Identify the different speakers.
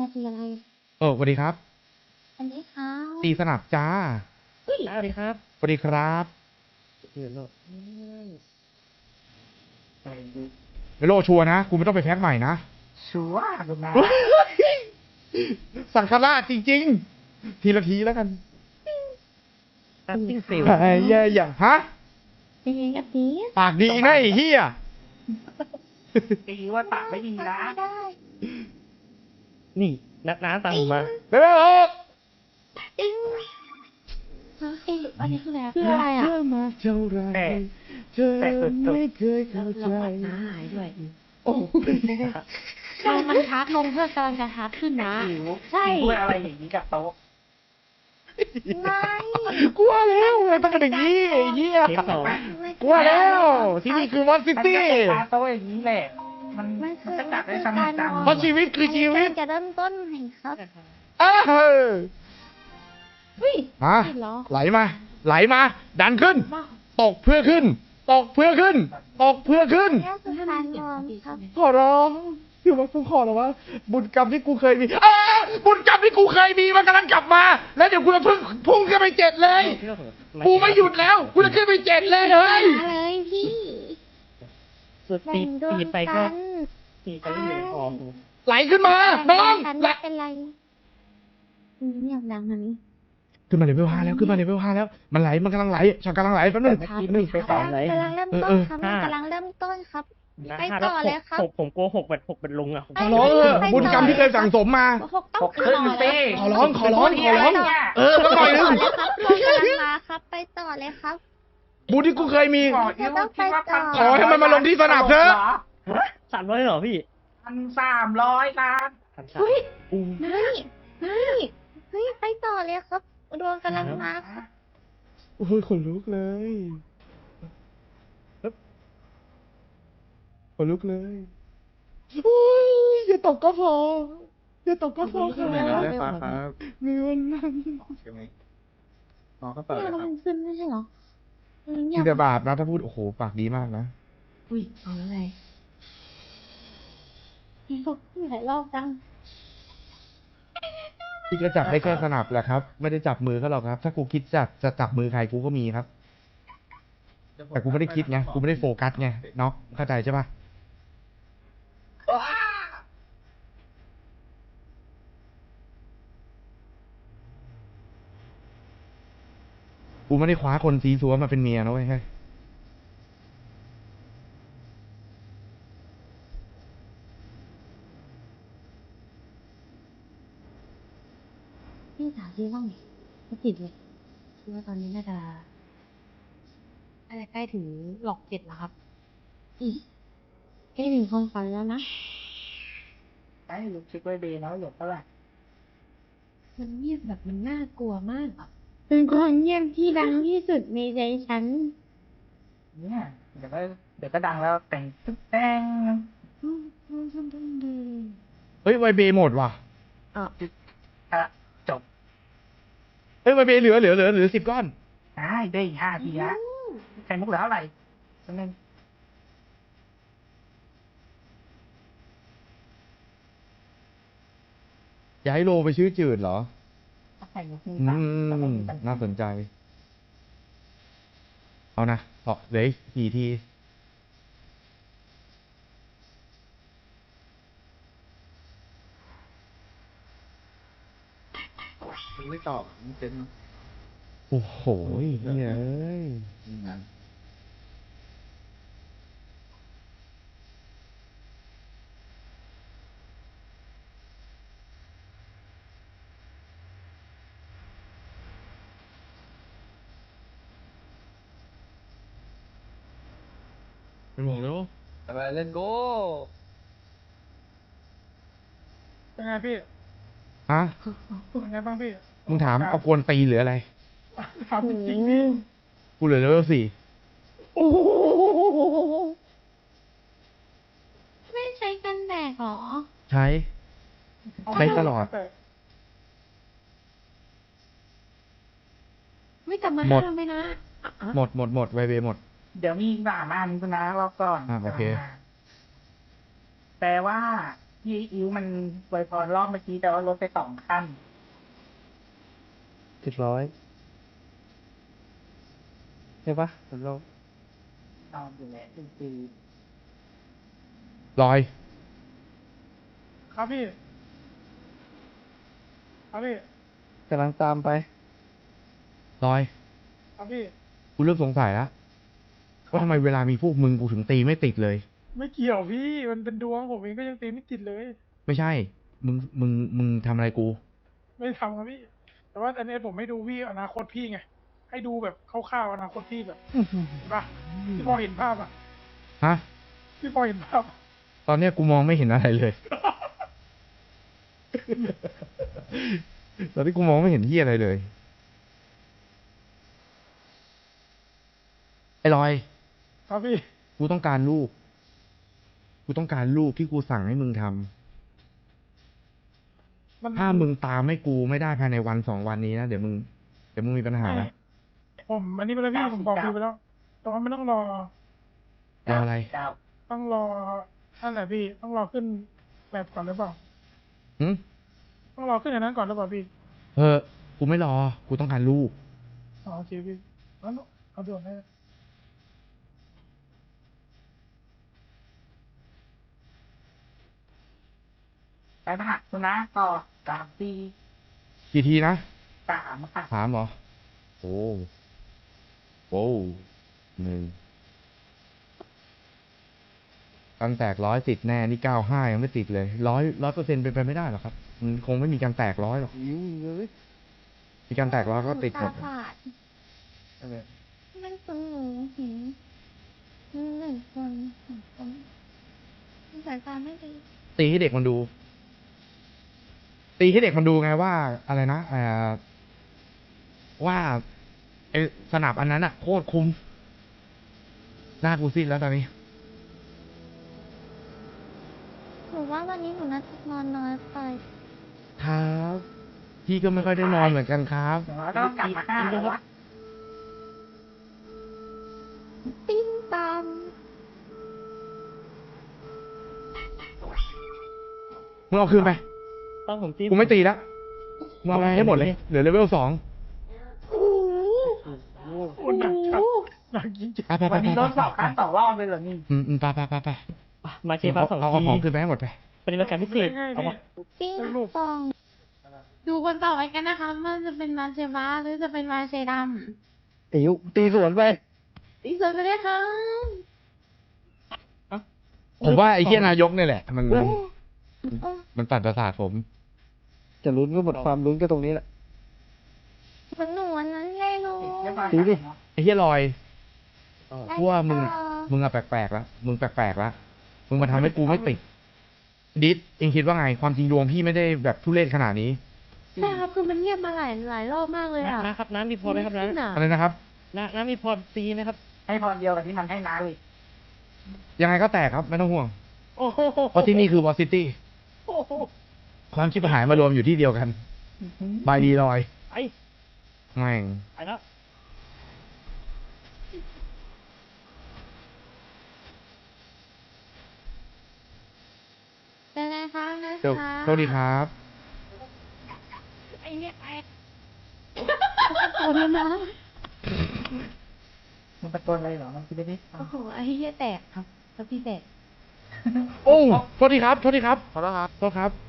Speaker 1: คืออะไร
Speaker 2: สวัสดีครับ
Speaker 1: อันนี้เขา
Speaker 2: ตีสนับจ้า
Speaker 3: สวัสดีครับ
Speaker 2: สวัสดีครับ
Speaker 3: ชื่อโลก
Speaker 2: เมโลชัวร์นะกูไม่ต้องไปแพ็คใหม่นะ
Speaker 3: ชัวร์คุณนะ
Speaker 2: สังฆราชจริงๆ ทีละทีแล้วกัน
Speaker 3: ตัดติ้งฟิล
Speaker 2: ไอ้เหี้ยอย่าฮะ
Speaker 1: เป็นไงกับนี้
Speaker 2: ปากดีนะไอ้เหี้ย
Speaker 3: ตีว่าปากไม่ดีนะ
Speaker 1: ได้
Speaker 3: นี่นักน้าสั่งมา
Speaker 2: เร็วๆออก
Speaker 1: จริงอันนี้คืออะไรคืออะไรอ่ะ
Speaker 2: เธอมาเท่าไรเธอไม่เคยเข้าใจ
Speaker 1: น้าหายด้วย
Speaker 2: โอ้
Speaker 1: มันทักลงเพื่อกำลังจะทักขึ้นนะ
Speaker 3: หิว
Speaker 1: ใช่
Speaker 3: ด้วยอะไรอย่างนี้กับโต๊ะ
Speaker 1: ไม่
Speaker 2: กลัวแล้วต้องเป็นอย่างนี้ไอ้เหี้ย
Speaker 3: เทปสอง
Speaker 2: กลัวแล้ว ที่นี่คือมอนซิ
Speaker 3: มัน
Speaker 2: ตี้
Speaker 3: ก็เป็นตาโต๊ะอย่างนี้แหละ มัน
Speaker 1: มันคือ
Speaker 3: จะจัดได้สนุกจัง
Speaker 2: เพราะชีวิตคือชีวิต
Speaker 1: จะเริ่มต้นใหม่ครับ
Speaker 2: อ้าว
Speaker 1: เฮ้ย
Speaker 2: มา
Speaker 1: เหรอ
Speaker 2: ไหลมา ไหลมา ดันขึ้น
Speaker 1: มา
Speaker 2: ตกเพื่อขึ้น ตกเพื่อขึ้น ตกเพื่อขึ้น
Speaker 1: แค่คือการนอนครับ
Speaker 2: ขอร้องอยู่มากูขอร้องว่าบุญกรรมที่กูเคยมีบุญกรรมที่กูเคยมีมันกำลังกลับมา แล้วเดี๋ยวกูจะพุ่งขึ้นไป7เลย กูไม่หยุดแล้ว กูจะขึ้นไป7เลยเฮ้ย
Speaker 1: มาเลยพี่
Speaker 3: สุด
Speaker 1: แบ่
Speaker 3: ตี
Speaker 1: งดวง
Speaker 3: ตีไปก็
Speaker 1: กัน
Speaker 3: ตีไปเรื่อยๆอ๋อ
Speaker 2: ไหลขึ้นมา น้อง
Speaker 1: กัน
Speaker 2: ไหล
Speaker 1: ไม่เป็นไรเงียบดังนะนี่
Speaker 2: ขึ้นมาเลเวล5แล้ว ขึ้นมาเลเวล5แล้ว มันไหล มันกำลังไหลฉันกำลังไหลแป๊บนึง
Speaker 3: เมื่อกี้หนึ่งไปสองเลย
Speaker 1: กำลังเริ่มต้นครับ
Speaker 3: เออ
Speaker 1: กำลังเริ่มต้นครับ
Speaker 3: นะ
Speaker 1: ไป
Speaker 3: ห้า
Speaker 1: ต่อ
Speaker 3: แล้ว
Speaker 1: เลยครับ
Speaker 3: ผมโกหกเป็นลุงอ่ะ
Speaker 2: ขอร้องบุญกรรมที่เคยสั่งสมมา
Speaker 1: หกต้อง
Speaker 3: หกขึ้น
Speaker 1: ต่อ
Speaker 3: สิ
Speaker 1: เลย
Speaker 2: ขอร้อง ขอร้อง ขอร้อง สักหน่อยนึง
Speaker 1: ต่อเลยครับกำลังมาครับ ไปต่อเลยครับ
Speaker 2: บุญที่กูเคยมี
Speaker 1: ต้องไปต่อ
Speaker 2: ขอให้มันมาลงที่สนับเถอะ
Speaker 3: 300เหรอพี่
Speaker 4: 1,300 ล้าน
Speaker 1: เฮ้ยเฮ้ยไปต่อเลยครับดวงกำลังมาครับ
Speaker 2: โอ้ยขนลุกเลยขนลุกเลยโอ้ยอย่าตกก็พออย่าตกก็พอครับ
Speaker 5: ได้ฟ้าครับ
Speaker 2: มีวันนั้น
Speaker 5: ใช่ไหมน้องก็เปิด
Speaker 1: เนี่ย
Speaker 5: เลยค
Speaker 1: เรา
Speaker 5: รับ
Speaker 1: มันขึ้นไม่ใช่เหรอเงี
Speaker 2: มี
Speaker 1: ยบ
Speaker 2: แต่บาปนะถ้าพูดโอ้โหปากดีมากนะ
Speaker 1: อุ้ยเอาแล้วไงหลายรอบจัง
Speaker 2: พี่ก็จับได้แค่สนับแหละครับ ไม่ได้จับมือเขาหรอกครับ ถ้ากูคิดจะจับมือใครกูก็มีครับ แต่กูไม่ได้คิดไงกูไม่ได้โฟกัสไงเนาะเข้าใจใช่ปะกูไม่ได้คว้าคนซีซัวมาเป็นเมียนะเว้ยเฮ้ย
Speaker 1: พี่ถามพี่บ้างดิไม่ติดเลยคิดว่าตอนนี้น่าจะใกล้ถึงหลอก7แล้วครับใกล้ถึงความฝันแล้วนะ
Speaker 3: ไอ้ลูกชิคไว้เดย์น้อยหยกเท่าไหร่
Speaker 1: มันเงียบแบบมันน่ากลัวมากอะเป็นคนเงียบที่ดังที่สุดในใจฉัน
Speaker 3: เนี่ยเดี๋ยวก็ดังแล้วแต่งตึ๊กแต่ง
Speaker 2: เฮ้ยไวเบหมดว่ะ
Speaker 3: อ่ะจบ
Speaker 2: เฮ้ยไวเบเหลือ10 ก้อน
Speaker 3: ได้อีก5 ทีละใครมุกเหลือเท่าไหร่จำนึง
Speaker 2: ย้ายโลไปชื่อจืดเหรอ
Speaker 3: ใครมุก
Speaker 2: น่าสนใจ เอานะต่อเหลืออีก4 ที
Speaker 5: มันไม่ตอบมันเป็น
Speaker 2: โอ้โหเฮ้ย
Speaker 5: งาน
Speaker 2: เป็นห่วงแล้ว
Speaker 5: อะไรเล่นโก้
Speaker 3: เป็นไงพี่
Speaker 2: ฮะ
Speaker 3: เป็นไงบ้างพี่
Speaker 2: มึงถามเอากวนตีหรืออะไร
Speaker 3: ถามจริง
Speaker 2: กูเหลือเลเวล4
Speaker 1: ไม่ใช้กันแดดหรอ
Speaker 2: ใช้ใช้ตลอด
Speaker 1: ไม่กลับมา
Speaker 2: หมด
Speaker 1: ห้ามไหมนะ
Speaker 2: หมดไวเบหมด
Speaker 3: เดี๋ยวมีอีก3 อันคุณนะรอบก่อน
Speaker 2: โอเค
Speaker 3: แปลว่าพี่อิ๋วมันไวยพรรอบเมื่อกี้แต่ว่าลดไป2 ขั้น
Speaker 2: 700ใช่ปะเรา
Speaker 3: นอนอยู่แหละจริง
Speaker 2: ลอย
Speaker 6: ครับพี่ ครับพี่
Speaker 2: กำลังตามไปลอย
Speaker 6: ครับพี่
Speaker 2: กูเริ่มสงสัยแล้วว่าทำไมเวลามีพวกมึงกูถึงตีไม่ติดเลย
Speaker 6: ไม่เกี่ยวพี่ มันเป็นดวงผมเองก็ยังตีไม่ติดเลย
Speaker 2: ไม่ใช่ มึงทำอะไรกู
Speaker 6: ไม่ทำครับพี่ แต่ว่าอันนี้ผมไม่ดูพี่อนาคตพี่ไง ให้ดูแบบคร่าวๆอนาคตพี่แบบเห็นปะพี่พอเห็นภาพอ่ะ
Speaker 2: ฮะ
Speaker 6: พี่พอเห็นภาพอะ
Speaker 2: ตอนเนี้ยกูมองไม่เห็นอะไรเลย ตอนนี้กูมองไม่เห็นที่อะไรเลย ไอ้ลอย
Speaker 6: ครับพี่
Speaker 2: กูต้องการรูป กูต้องการรูปที่กูสั่งให้มึงทำ
Speaker 6: มัน
Speaker 2: ถ้ามึงตามให้กูไม่ได้ภายในวัน2 วันนี้นะเดี๋ยวมึงมีปัญหานะ
Speaker 6: ผมอันนี้ไปแล้วพี่ผมบอกพี่ไปแล้วแต่ว่าไม่ต้องรอ
Speaker 3: ๆ
Speaker 2: รออะไร
Speaker 3: ดาว
Speaker 6: ต้องรอนั่นแหละพี่ ต้องรอขึ้นแบบก่อนหรือเปล่า
Speaker 2: หึ
Speaker 6: ต้องรอขึ้นอย่างนั้นก่อนหรือเปล่าพี่
Speaker 2: กูไม่รอ กูต้องการรูป
Speaker 6: อ๋อโอเคพี่งั้นเอาด่วนให้
Speaker 3: ไปผ่าคุณนะต่อ3 ปี
Speaker 2: กี่ทีนะ
Speaker 3: 3 ค่ะ
Speaker 2: 3เหรอ โอ้โห1การแตก100ติดแน่นี่95ยังไม่ติดเลย100% เป็นไปไม่ได้หรอกครับ มันคงไม่มีการแตก100หรอกมีการแตก100ก็ติดหมด
Speaker 1: ตาฝาดมันคือหนูเห็น1 คน2 คนสายตาไม่ดี
Speaker 2: ตีให้เด็กมันดู ตีให้เด็กมันดูไงว่าอะไรนะว่าไอสนับอันนั้นอะโคตรคุ้มหน้ากูซีดแล้วตอนนี้
Speaker 1: หนูว่าวันนี้หนูน่าจะนอนน้อยไป
Speaker 2: ครับ พี่ก็ไม่ค่อยได้นอนเหมือนกันครับ
Speaker 3: เดี๋ยวต้องกลับมา5แล้ววะ
Speaker 1: ติ้งตาม
Speaker 2: มึงเอาคืนไป
Speaker 3: ต้องผมตี
Speaker 2: กูไม่ตีแล้วมึงเอาไปให้หมดเลย เหลือเลเวล2
Speaker 6: โอ้หนักจัดหนักจริง
Speaker 2: ไป
Speaker 3: วันนี้ลด2 ขั้นต่อรอบเลยเหรอนี่
Speaker 2: ไป
Speaker 7: มาเชฟฟ้า2
Speaker 2: เอา
Speaker 7: ที
Speaker 2: ของคืนไปให้หมดไป
Speaker 7: ปฏิบัติการพิเศษ
Speaker 6: ง่ายๆ
Speaker 7: เอา
Speaker 6: พี่
Speaker 7: มา
Speaker 1: ติ้งฟอง ดูคนต่อไปกันนะคะว่าจะเป็นมาเชฟ้าหรือจะเป็นมาเชด
Speaker 2: อิ๋วตีสวนไป
Speaker 1: ำตีเสร็จไปเลยค่ะ
Speaker 2: ผมว่าไอ้เหี้ยนายกเนี่ยแหละ มันปั่นประสาทผม
Speaker 8: จะลุ้นก็หมดความลุ้นก็ตรงนี้แหละ
Speaker 1: เหมือนหนูวันนั้นเลยลูก
Speaker 8: ดูดิ
Speaker 2: ไอ้เหี้ยลอย
Speaker 1: ได้
Speaker 2: กูว่ามึง
Speaker 1: ต่อ
Speaker 2: มึงอะแปลกๆแล้ว มึงแปลกๆแล้ว มึงมาทำให้กูไม่ติด ดิสเองคิดว่าไง ความจริงดวงพี่ไม่ได้แบบทุเรศขนาดนี้
Speaker 1: ใช่ครับคือมันเงียบมาหลายรอบมากเลยอ่ะ
Speaker 7: นะครับน้ำมีพอไหมครับน้
Speaker 2: อะไรนะครับ
Speaker 7: น้ำมีพอตีไหมครับ
Speaker 3: ให้พรเดียวกับที่มันให้น้าเลย
Speaker 2: ยังไงก็แตกครับ ไม่ต้องห่วง
Speaker 7: โอ้โห
Speaker 2: เพราะที่นี่คือวอซิตี้ ความชิบหายมารวมอยู่ที่เดียวกัน บายดีลอย
Speaker 7: ไอ้
Speaker 2: แม่ง
Speaker 7: ไอ้แล้ว
Speaker 1: เป็นไงคะนะ
Speaker 2: เดี๋ยว
Speaker 1: คะ
Speaker 2: โชคดีครับ
Speaker 1: ไอ้เนี่ยไอ้โอ้ยนะ
Speaker 3: มันตะโกนอะไรเหรอ มันคิดไม่ได้ฟัง
Speaker 1: โอ้โหไอ้เหี้ยแตกครับแล้วพี่แตก
Speaker 2: โอ้โทษทีครับ ขอโทษครับ โทษครับ